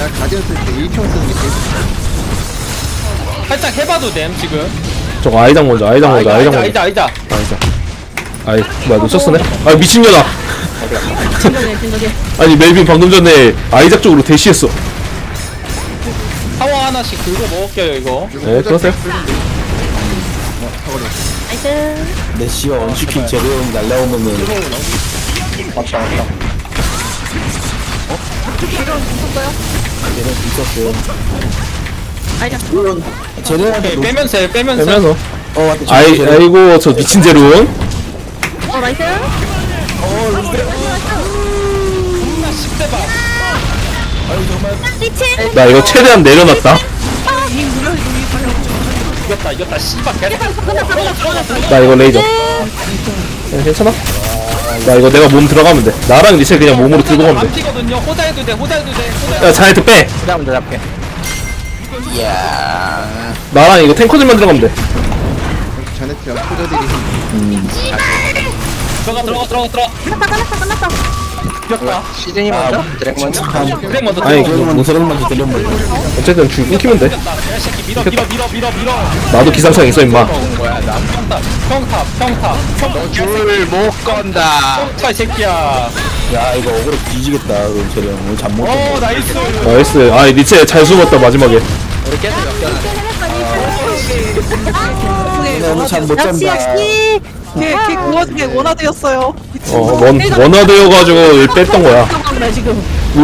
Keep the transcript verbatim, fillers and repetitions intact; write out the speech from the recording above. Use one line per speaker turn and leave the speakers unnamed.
가디언 쓸 때 일 평 쓰는 게 제일 좋다.
살짝 해봐도 됨 지금.
저거 아이작 먼저 아이작 먼저 아이작 먼저
아이자 아이자.
아이작 아이 뭐야 놓쳤었네? 아 미친년아
진정해 진정해.
아니 멜빈 방금 전에 아이작 쪽으로 대시했어.
타워 하나씩 긁어 먹을게요 이거.
네 그러세요.
나이스.
메시어 언시킨 제로용 날라오면은
맞다 맞다.
걔는 있었어요.
아이작.
제로한테
오케이 빼면서 해, 빼면서.
빼면서
어 맞다.
아이 아이고 저 미친 제로운.
어 나이스.
존나 십 대 봐.
리치.
나 이거 최대한 내려놨다.
이겼다 이겼다 씨발 개새끼.
나 이거 레이저. 네, 괜찮아? 나 이거 내가 몸 들어가면 돼. 나랑 리첼 그냥 몸으로 들고 가면
안
돼.
피거든요. 호자해도 돼 호자해도 돼. 호자.
야 자네트 빼.
그다음 더 잡게. 이야.
나랑 이거 탱커들만 들어가면 돼.
자네트랑 포자들이
들어가 들어가 들어가 들어가.
끝났다 끝났다 끝났다.
이겼다.
시즌이 먼저? 드랙 먼저?
그래 먼저
아니,
들어가.
그러면 드랙 먼저 들려면
어쨌든 줄 끊기면 돼.
이겼다. 야 새끼 밀어 밀어 밀어 밀어 밀어.
나도 기상청 있어 임마.
뭐야 나 평탑 평탑 평탑 평탑
줄못 건다.
평탑 이 새끼야.
야 이거 억울해 뒤지겠다. 그럼 제로 오늘 잠못
어
잤네.
나이스.
나이스. 아 리첼 잘 숨었다 마지막에.
오늘 잠못
역시
잔다.
역시.
걔, 걔 구워준 게 원화되었어요.
어 원, 원화되어가지고 뺐던 거야.
나 지금.